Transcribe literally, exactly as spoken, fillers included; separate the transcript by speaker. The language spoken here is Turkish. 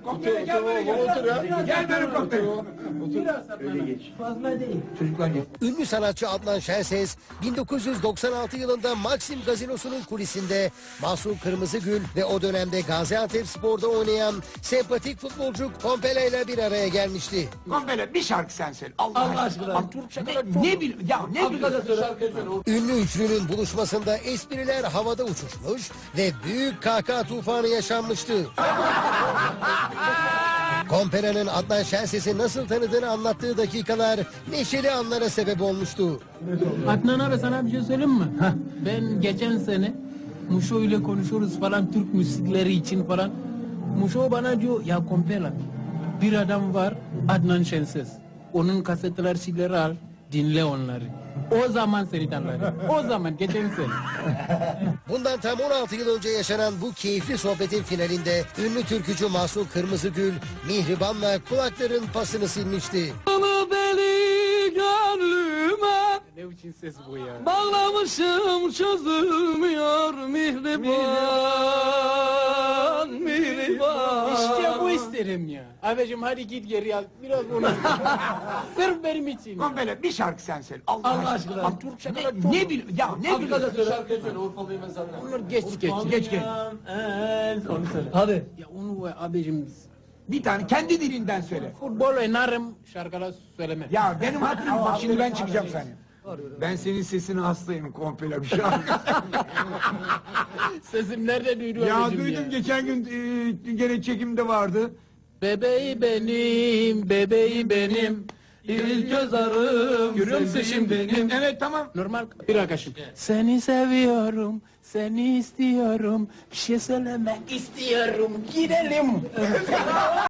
Speaker 1: Komple gel böyle gel.
Speaker 2: Otur ya.
Speaker 1: Gel benim komple.
Speaker 2: Öyle geç.
Speaker 1: Fazla değil. Çocuklar gel.
Speaker 3: Ünlü sanatçı Adnan Şenses bin dokuz yüz doksan altı yılında Maxim Gazinosu'nun kulisinde Mahsun Kırmızıgül ve o dönemde Gaziantepspor'da oynayan sempatik futbolcu Kompele ile bir araya gelmişti.
Speaker 1: Komple bir şarkı sen söyle. Allah,
Speaker 2: Allah aşkına.
Speaker 1: Abi, Türk şarkıları ne bil ya ne biliyorsun?
Speaker 2: Şarkı söyle.
Speaker 3: Ünlü üçlünün buluşmasında espriler havada uçuşmuş ve büyük kahkaha tufanı yaşanmıştı. Kompele'nin Adnan Şenses'i nasıl tanıdığını anlattığı dakikalar neşeli anlara sebep olmuştu.
Speaker 4: Adnan abi sana bir şey söyleyeyim mi? Ben geçen sene Muşo ile konuşuyoruz falan Türk müzikleri için falan. Muşo bana diyor ya Kompela bir adam var Adnan Şenses. Onun kasetler şeyleri al dinle onları. O zaman seni tanırım. O zaman geçen sene.
Speaker 3: Bundan tam on altı yıl önce yaşanan bu keyifli sohbetin finalinde ünlü türkücü Mahsun Kırmızıgül Mihriban'la kulakların pasını silmişti.
Speaker 4: Ama beni gönlüme ne biçim ses bu ya? Bağlamışım çözülmüyor mihriban, mihriban. İşte bu isterim ya. Abicim hadi git geri al. Biraz onu. Sırf benim için.
Speaker 1: Komple bir şarkı sen söyle. Allah,
Speaker 2: Allah aşkına.
Speaker 1: Abi, Türk şarkıları ne, ne bil ya ne biliyorsun?
Speaker 2: söyle. Şarkı söyle. Urfalıyım ben senden.
Speaker 4: Onlar geç geç.
Speaker 1: Geç geç.
Speaker 2: Onu söyle. Hadi.
Speaker 4: Ya onu abicim
Speaker 1: Bir tane kendi dilinden söyle.
Speaker 4: futbol oynarım şarkılar söylemem.
Speaker 1: Ya benim hatırım bak şimdi ben çıkacağım sana. Ben senin sesine hastayım komple bir şarkı.
Speaker 4: Sesim nerede duyuyor
Speaker 1: ya
Speaker 4: abicim
Speaker 1: duydum geçen gün e, gene çekimde vardı.
Speaker 4: Bebeği benim, bebeği benim. İlk göz ağrım, görüyor musun şimdi benim?
Speaker 1: Evet tamam.
Speaker 4: Normal bir arkadaşım. Seni seviyorum, seni istiyorum. Bir şey söylemek istiyorum. Gidelim.